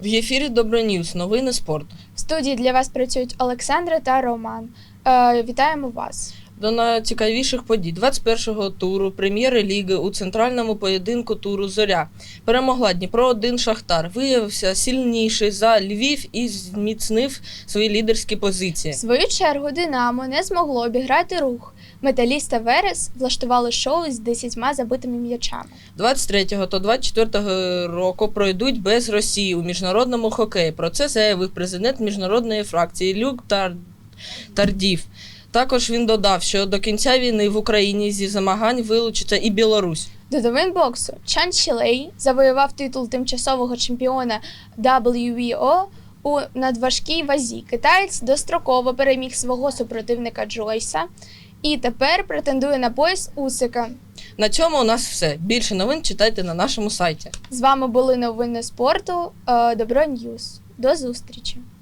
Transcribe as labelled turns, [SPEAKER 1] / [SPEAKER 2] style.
[SPEAKER 1] В ефірі Доброньюз. Новини спорту.
[SPEAKER 2] В студії для вас працюють Олександра та Роман. Вітаємо вас.
[SPEAKER 1] До найцікавіших подій 21-го туру прем'єр-ліги у центральному поєдинку туру «Зоря» перемогла Дніпро-1 «Шахтар». Виявився сильніший за Львів і зміцнив свої лідерські позиції.
[SPEAKER 2] В свою чергу «Динамо» не змогло обіграти «Рух». «Металіст» та «Верес» влаштували шоу з 10 забитими м'ячами.
[SPEAKER 1] 23-го та 24-го року пройдуть без Росії у міжнародному хокеї. Про це заявив президент міжнародної фракції Люк Тардів. Також він додав, що до кінця війни в Україні зі змагань вилучиться і Білорусь.
[SPEAKER 2] До новин боксу. Чан Чілей завоював титул тимчасового чемпіона WBO у надважкій вазі. Китаєць достроково переміг свого супротивника Джойса і тепер претендує на пояс Усика.
[SPEAKER 1] На цьому у нас все. Більше новин читайте на нашому сайті.
[SPEAKER 2] З вами були новини спорту Доброньюз. До зустрічі!